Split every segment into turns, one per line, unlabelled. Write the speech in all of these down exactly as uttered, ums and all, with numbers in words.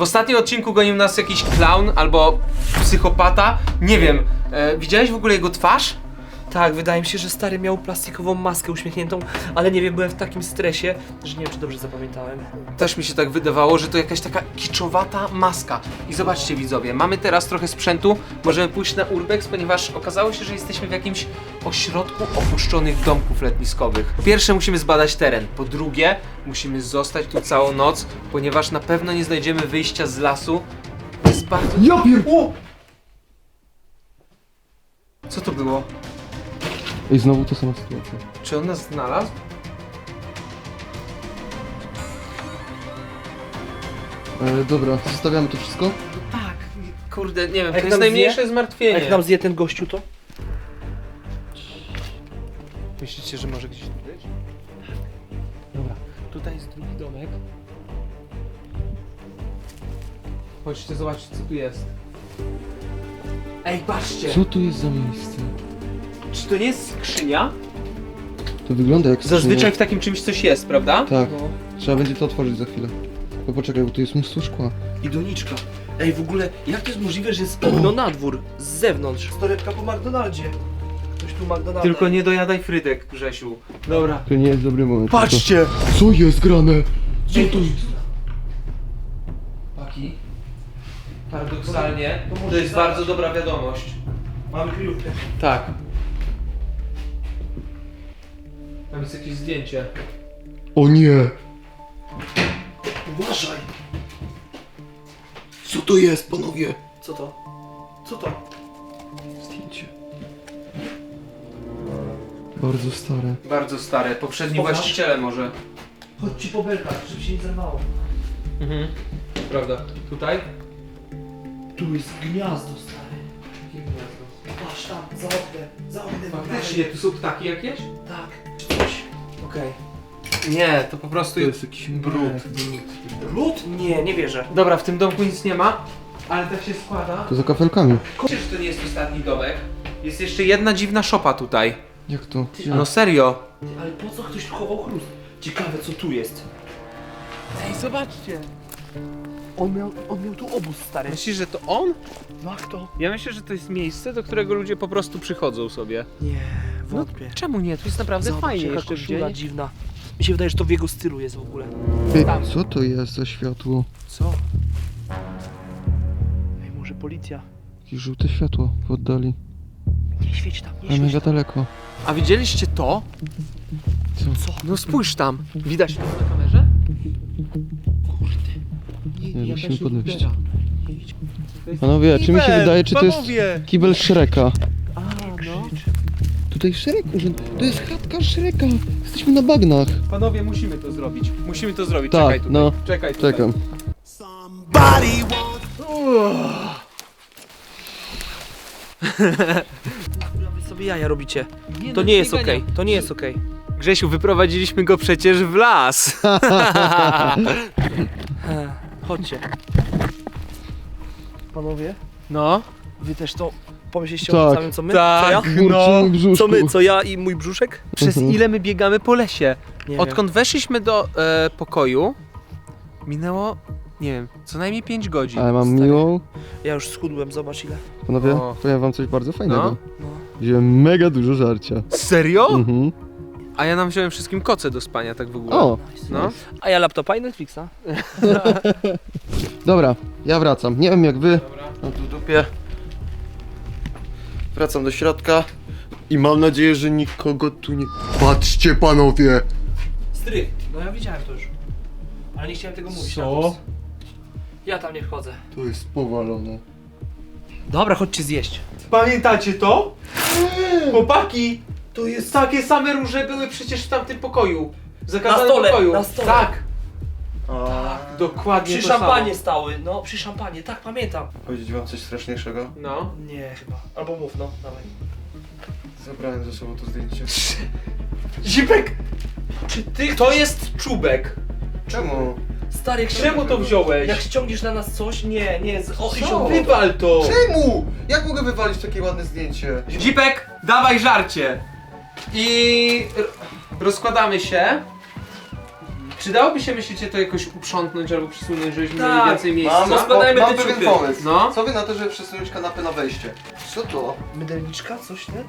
W ostatnim odcinku gonił nas jakiś clown albo psychopata. Nie wiem, e, widziałeś w ogóle jego twarz?
Tak, wydaje mi się, że stary miał plastikową maskę uśmiechniętą, ale nie wiem, byłem w takim stresie, że nie wiem, czy dobrze zapamiętałem.
Też mi się tak wydawało, że to jakaś taka kiczowata maska. I zobaczcie widzowie, mamy teraz trochę sprzętu, możemy pójść na urbex, ponieważ okazało się, że jesteśmy w jakimś ośrodku opuszczonych domków letniskowych. Po pierwsze musimy zbadać teren, po drugie musimy zostać tu całą noc, ponieważ na pewno nie znajdziemy wyjścia z lasu. Jest bardzo...
Ja pier... O!
Co to było?
Ej, znowu ta sama sytuacja.
Czy on nas znalazł?
E, dobra, zostawiamy to wszystko?
Tak. Kurde, nie wiem, to
Jak
jest
nam
najmniejsze
zje?
zmartwienie.
A jak nam zje ten gościu, to?
Myślicie, że może gdzieś tu być? Dobra, tutaj jest drugi domek. Chodźcie zobaczyć, co tu jest. Ej, patrzcie!
Co to jest za miejsce?
Czy to nie jest skrzynia?
To wygląda jak
Zazwyczaj
skrzynia.
w takim czymś coś jest, prawda?
Tak,
No.
trzeba będzie to otworzyć za chwilę. Bo poczekaj, bo tu jest mnóstwo szkła.
I doniczka. Ej, w ogóle, jak to jest możliwe, że jest okno na dwór, z zewnątrz? Torebka po McDonaldzie. Ktoś tu McDonalda.
Tylko nie dojadaj frydek, Grzesiu. Dobra.
To nie jest dobry moment.
Patrzcie!
To... Co jest grane? Co to jest?
Paki. Paradoksalnie,
To może
to jest
zaraz.
bardzo dobra wiadomość.
Mamy kryjówkę.
Tak. Tam jest jakieś zdjęcie.
O nie!
Uważaj!
Co to jest, panowie?
Co to? Co to?
Zdjęcie. Bardzo stare.
Bardzo stare, poprzedni
Pokaż.
właściciele może.
Chodź ci po belkach, żeby się nie zerwało.
Mhm. Prawda. Tutaj?
Tu jest gniazdo, stary.
Jakie gniazdo?
Patrz tam, za oknem, za oknem.
Faktycznie, tu są ptaki jakieś?
Tak, czy coś. Okej.
Nie, to po prostu
To
jest...
jest jakiś
brud.
Brud? Nie, nie wierzę.
Dobra, w tym domku nic nie ma, ale tak się składa.
To za kafelkami.
Wiecie, że to nie jest ostatni domek? Jest jeszcze jedna dziwna szopa tutaj.
Jak to?
No serio.
Ty, ale po co ktoś tu chował chrust? Ciekawe, co tu jest.
Ej, zobaczcie.
On miał, on miał tu obóz, stary.
Myślisz, że to on?
No jak to?
Ja myślę, że to jest miejsce, do którego ludzie po prostu przychodzą sobie.
Nie,
No
wątpię.
czemu nie? Tu jest naprawdę
Zobacz,
fajnie
jaka
jeszcze w
koszula
dzień.
dziwna. Mi się wydaje, że to w jego stylu jest w ogóle.
Ej,
Tam.
co to jest za światło?
Co? Ej, może policja?
Jakieś żółte światło w oddali.
Nie świeć tam, nie
Ale
świeć
mega
tam.
daleko.
A widzieliście to?
Co?
Co?
No spójrz tam. Widać to na kamerze?
Nie, musimy podnosić.
Nie idź.
Panowie, czy mi się wydaje, czy to jest
Panowie!
kibel Shreka?
A, no.
Tutaj Shrek urząd... To jest chatka Shreka! Jesteśmy na bagnach.
Panowie, musimy to zrobić. Musimy to zrobić.
Tak,
Czekaj tutaj.
no.
Czekaj tutaj.
Czekam.
Kurwa, wy sobie jaja robicie.
Nie,
To
no,
nie jest
biegania.
okej, to nie jest okej.
Grzesiu, wyprowadziliśmy go przecież w las.
Ech, Chodźcie. Panowie,
No.
wy też to pomyśleliście
Tak.
o tym samym co my?
Tak.
Co ja?
Burczy
No.
mój brzuszku.
Co my? Co ja i mój brzuszek?
Przez
Mhm.
ile my biegamy po lesie?
Nie
Odkąd weszliśmy do e, pokoju, minęło, nie wiem, co najmniej pięć godzin.
Ale mam
Stary.
miłą.
wiem. Ja już schudłem, zobacz ile.
Panowie,
O.
powiem wam coś bardzo fajnego.
No.
No.
Wziąłem mega dużo żarcia.
Serio?
Mhm.
A ja nam wziąłem wszystkim koce do spania, tak w ogóle.
O!
Nice.
No.
A ja laptopa i Netflixa.
Dobra, ja wracam. Nie wiem jak wy.
Dobra.
Mam tu w dupie. Wracam do środka. I mam nadzieję, że nikogo tu nie... Patrzcie panowie!
Stryk. No ja widziałem to już. Ale nie chciałem tego mówić.
Co?
na głos. Ja tam nie wchodzę.
To jest powalone.
Dobra, chodźcie zjeść.
Pamiętacie to? Chłopaki! To jest takie same róże były przecież w tamtym pokoju. W zakazanym
Na stole,
pokoju.
na stole.
Tak,
A...
dokładnie
Przy
to
szampanie
samo.
stały, no przy szampanie, tak pamiętam.
Powiedzieć wam coś straszniejszego?
No.
Nie chyba. Albo mów, no, dawaj.
Zabrałem ze sobą to zdjęcie.
Zipek! Czy ty... To jest czubek.
Czemu?
Stary, jak
Czemu to wziąłeś?
Jak ściągniesz na nas coś, nie, nie, z... o,
Co?
i się
Wywal to!
Czemu? Jak mogę wywalić takie ładne zdjęcie?
Zipek, dawaj żarcie! I... r- rozkładamy się. Czy dałoby się, myślicie, to jakoś uprzątnąć albo przesunąć, żebyśmy
Tak,
mieli więcej miejsca?
Mam,
Rozkładajmy
mam
te
pewien
ciuchy.
pomysł.
No.
Co wy na to, żeby przesunąć kanapę na wejście? Co to?
Mydelniczka? Coś, nie?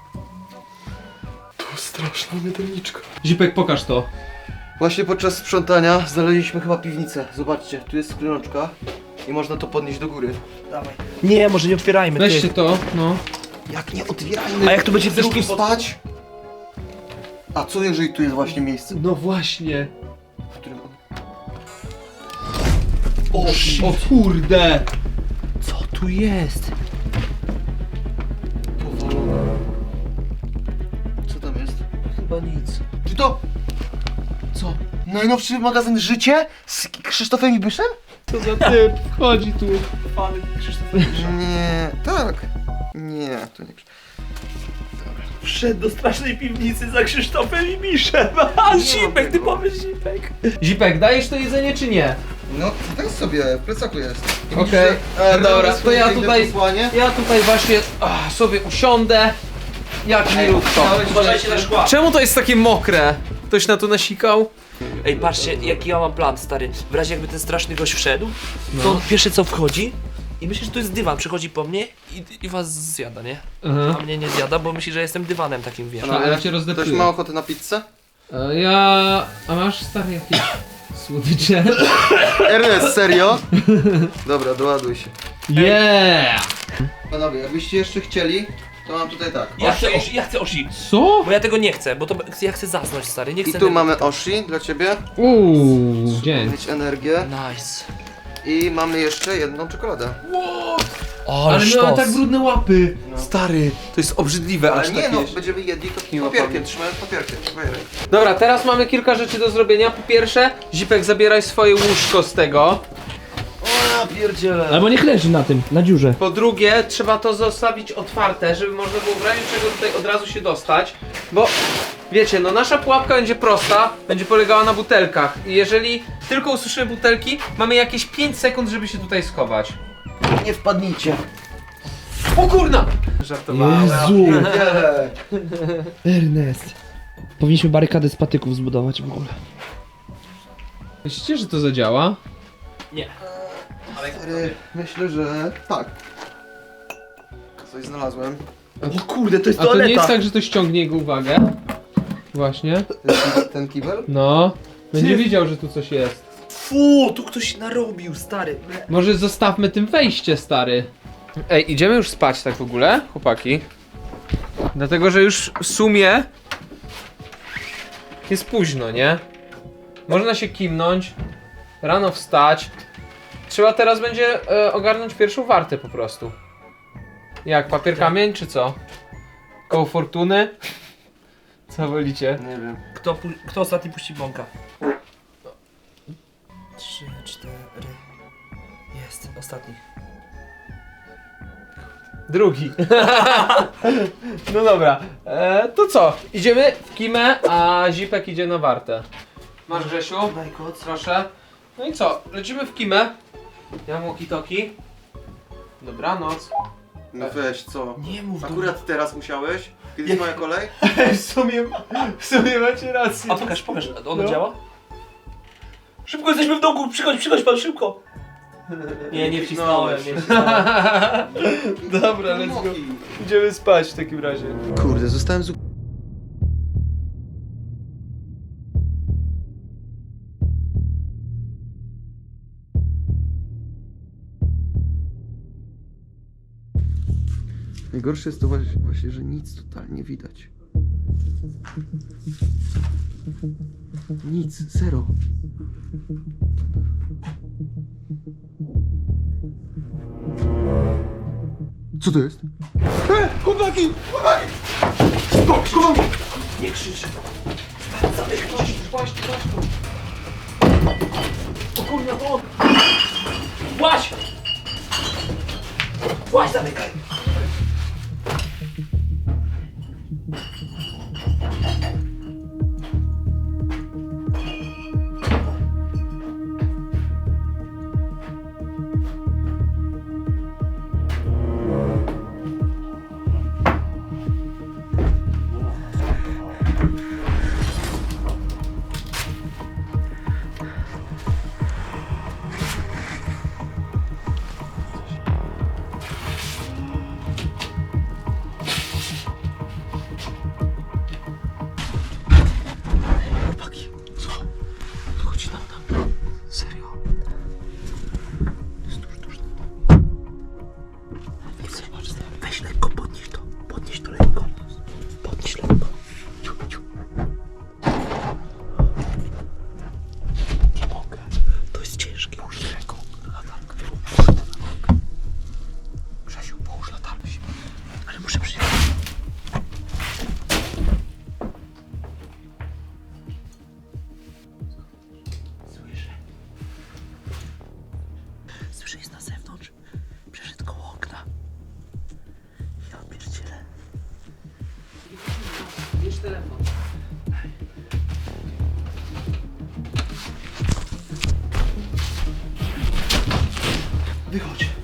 To straszna mydelniczka.
Zipek, pokaż to.
Właśnie podczas sprzątania znaleźliśmy chyba piwnicę. Zobaczcie, tu jest skrzyneczka i można to podnieść do góry.
Dawaj. Nie, może nie otwierajmy,
Weźcie
ty.
to, no.
Jak nie otwierajmy?
A jak tu będzie
Chcesz
drugi
tu spać? A co jeżeli tu jest właśnie miejsce,
No właśnie.
w którym on...
O, o kurde.
Co tu jest?
powalone? Co tam jest?
Chyba nic.
Czy to
Co?
najnowszy magazyn Życie z Krzysztofem Ibiszem?
Co za typ wchodzi tu?
Pany Krzysztof.
Nie, tak. Nie, to nie Krzysztof.
Wszedł do strasznej piwnicy za Krzysztofem i Miszem. A,
Nie
Zipek,
ma
ty
tego.
powiesz Zipek.
Zipek, dajesz to jedzenie czy nie?
No, weź sobie, w plecaku jest. I
Okej,
widzisz, że-
e, dobra, to
swoje
ja
piękne
tutaj-
posłanie?
Ja tutaj właśnie ach, sobie usiądę. Jak milutko.
chciałeś-
Uważajcie na szkła.
Czemu to jest takie mokre? Ktoś na to nasikał?
Ej, patrzcie, jaki ja mam plan, stary. W razie jakby ten straszny gość wszedł, to on pierwsze co wchodzi i myśli, że to jest dywan. Przychodzi po mnie i, i was zjada, nie?
Aha.
A mnie nie zjada, bo myśli, że jestem dywanem takim, wiesz.
A, ja cię
Ktoś
rozdeptuję.
ma ochotę na pizzę?
E, Ja... A masz stary jakieś słodycze?
Ernest, serio? Dobra, doładuj się.
Yeah!
Panowie, jakbyście jeszcze chcieli, to mam tutaj tak.
Ja chcę, oshi, ja chcę oshi,
Co?
bo ja tego nie chcę, bo to ja chcę zasnąć, stary, nie
I
chcę...
tu mamy Oshi dla ciebie.
Uuu, dzień.
Mieć energię.
Nice.
I mamy jeszcze jedną czekoladę.
O,
Ale
sztos.
miałem tak brudne łapy.
No.
Stary, to jest obrzydliwe
Ale
aż
nie
tak
no,
jeść.
będziemy jedli to
Miło
papierkiem,
pamięć.
trzymając papierkiem. Papierek.
Dobra, teraz mamy kilka rzeczy do zrobienia. Po pierwsze, Zipek, zabieraj swoje łóżko z tego.
O, ja pierdzielę.
Albo niech leży na tym, na dziurze.
Po drugie, trzeba to zostawić otwarte, żeby można było w razie czego tutaj od razu się dostać. Bo wiecie, no nasza pułapka będzie prosta, będzie polegała na butelkach. I jeżeli tylko usłyszymy butelki, mamy jakieś pięć sekund, żeby się tutaj schować.
Nie wpadnijcie.
O kurna! Żartowałem.
Jezu.
Pierdzielę.
Ernest. Powinniśmy barykadę z patyków zbudować w ogóle.
Myślicie, że to zadziała?
Nie.
Stary, myślę, że tak. Coś znalazłem.
O kurde, to jest
A to
toaleta.
nie jest tak, że to ściągnie jego uwagę? Właśnie.
Ten, ki- ten kibel?
No. Będzie wiedział, że tu coś jest.
Fu, tu ktoś narobił, stary.
Może zostawmy tym wejście, stary. Ej, idziemy już spać tak w ogóle, chłopaki? Dlatego, że już w sumie jest późno, nie? Można się kimnąć, rano wstać. Trzeba teraz będzie e, ogarnąć pierwszą wartę po prostu. Jak, papier kamień czy co? Koło fortuny? Co wolicie?
Nie wiem.
Kto, pu- kto ostatni puści bąka? Trzy, cztery. Jest, ostatni.
Drugi. No dobra, e, to co? Idziemy w kimę, a Zipek idzie na wartę. Masz, Grzesiu?
Daj koc.
Proszę. No i co? Lecimy w kimę. Ja mam walkie-talkie. Dobranoc.
No weź, co?
Nie mów do
Akurat teraz musiałeś? Kiedy
Jak-
jest moja kolej?
W sumie, w sumie macie rację.
A pokaż, pokaż, ono
No.
działa? Szybko jesteśmy w domku, przychodź, przychodź pan, szybko! Nie, nie wcisnąłem, nie wcisnąłem.
Dobra, let's go. Idziemy spać w takim razie.
Kurde, zostałem z... Najgorsze jest to właśnie, właśnie, że nic totalnie widać. Nic, zero. Co to jest? E, chłopaki! Chłopaki! Skok, schowam!
Nie krzycz.
Właśnie, właśnie.
O kurwa, o! Właź! Właź, zamykaj! Słyszę, że jest na zewnątrz. Przeszedł koło okna. Ja pierdzielę.
Bierz telefon.
Wychodź.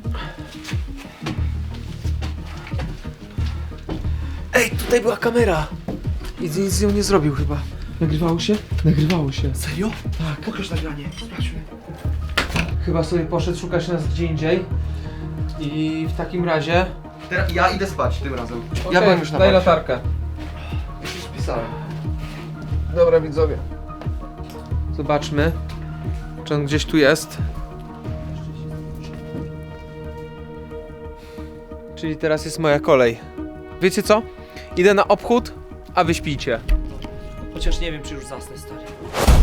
Ej, tutaj była kamera. I nic z nią nie zrobił chyba. Nagrywało się? Nagrywało się.
Serio?
Tak.
Pokaż nagranie, sprawdźmy.
Chyba sobie poszedł szukać nas gdzie indziej. I w takim razie...
Teraz ja idę spać tym razem. Ja
Okej,
byłem już na
daj
parcie.
latarkę.
Już już spisałem.
Dobra widzowie. Zobaczmy, czy on gdzieś tu jest. Czyli teraz jest moja kolej. Wiecie co? Idę na obchód, a wy śpijcie.
Chociaż nie wiem, czy już zasnę, stary.